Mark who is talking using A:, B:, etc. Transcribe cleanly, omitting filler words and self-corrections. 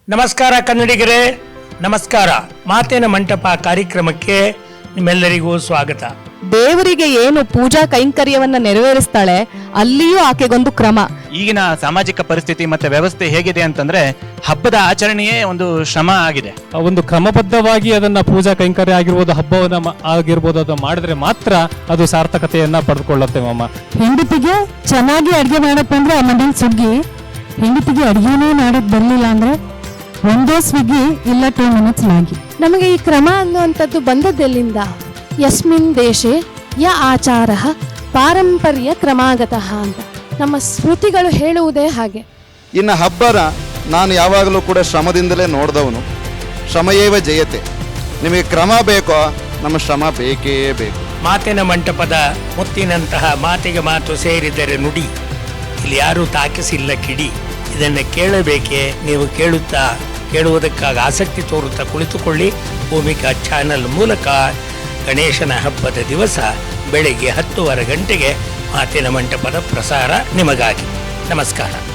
A: ನಮಸ್ಕಾರ ಕನ್ನಡಿಗರೇ, ನಮಸ್ಕಾರ. ಮಾತಿನ ಮಂಟಪ ಕಾರ್ಯಕ್ರಮಕ್ಕೆ ನಿಮ್ಮೆಲ್ಲರಿಗೂ ಸ್ವಾಗತ.
B: ದೇವರಿಗೆ ಏನು ಪೂಜಾ ಕೈಂಕರ್ಯವನ್ನ ನೆರವೇರಿಸ್ತಾಳೆ, ಅಲ್ಲಿಯೂ ಆಕೆಗೊಂದು ಕ್ರಮ.
C: ಈಗಿನ ಸಾಮಾಜಿಕ ಪರಿಸ್ಥಿತಿ ಮತ್ತೆ ವ್ಯವಸ್ಥೆ ಹೇಗಿದೆ ಅಂತಂದ್ರೆ ಹಬ್ಬದ ಆಚರಣೆಯೇ ಒಂದು ಶ್ರಮ ಆಗಿದೆ.
D: ಒಂದು ಕ್ರಮಬದ್ಧವಾಗಿ ಅದನ್ನ ಪೂಜಾ ಕೈಂಕರ್ಯ ಆಗಿರ್ಬೋದು, ಹಬ್ಬವನ್ನ ಆಗಿರ್ಬೋದು, ಅದು ಮಾಡಿದ್ರೆ ಮಾತ್ರ ಅದು ಸಾರ್ಥಕತೆಯನ್ನ ಪಡೆದುಕೊಳ್ಳುತ್ತೆ. ಮಾಮ
E: ಹೆಂಡತಿಗೆ ಚೆನ್ನಾಗಿ ಅಡ್ಗೆ ಮಾಡಕ್ ಬಂದ್ರೆ ಮನೇಲಿ ಸುಗ್ಗಿ, ಹೆಂಡತಿಗೆ ಅಡ್ಗೆನೇ ಮಾಡಕ್ ಬರ್ಲಿಲ್ಲ ಅಂದ್ರೆ ಒಂದೇ ಸ್ವಿಗ್ಗಿ ಇಲ್ಲ 2 minutes ಮ್ಯಾಗಿ.
F: ನಮಗೆ ಈ ಕ್ರಮ ಅನ್ನುವಂಥದ್ದು ಬಂದದ್ದೆಲ್ಲಿಂದ? ಯಸ್ಮಿನ್ ದೇಶೆ ಯ ಆಚಾರ ಪಾರಂಪರ್ಯ ಕ್ರಮಾಗತಃ ಅಂತ ನಮ್ಮ ಸ್ಮೃತಿಗಳು ಹೇಳುವುದೇ ಹಾಗೆ.
G: ಇನ್ನು ಹಬ್ಬನ ನಾನು ಯಾವಾಗಲೂ ಕೂಡ ಶ್ರಮದಿಂದಲೇ ನೋಡಿದವನು. ಶ್ರಮಯೇವ ಜಯತೆ. ನಿಮಗೆ ಕ್ರಮ ಬೇಕೋ, ನಮ್ಮ ಶ್ರಮ ಬೇಕೇ ಬೇಕು.
A: ಮಾತಿನ ಮಂಟಪದ ಮುತ್ತಿನಂತಹ ಮಾತಿಗೆ ಮಾತು ಸೇರಿದರೆ ನುಡಿ, ಇಲ್ಲಿ ಯಾರೂ ತಾಕಿಸಿಲ್ಲ ಕಿಡಿ. ಇದನ್ನು ಕೇಳಬೇಕೆ? ನೀವು ಕೇಳುವುದಕ್ಕಾಗಿ ಆಸಕ್ತಿ ತೋರುತ್ತಾ ಕುಳಿತುಕೊಳ್ಳಿ. ಭೂಮಿಕಾ ಚಾನಲ್ ಮೂಲಕ ಗಣೇಶನ ಹಬ್ಬದ ದಿವಸ ಬೆಳಗ್ಗೆ 10:30 ಗಂಟೆಗೆ ಮಾತಿನ ಮಂಟಪದ ಪ್ರಸಾರ ನಿಮಗಾಗಿ. ನಮಸ್ಕಾರ.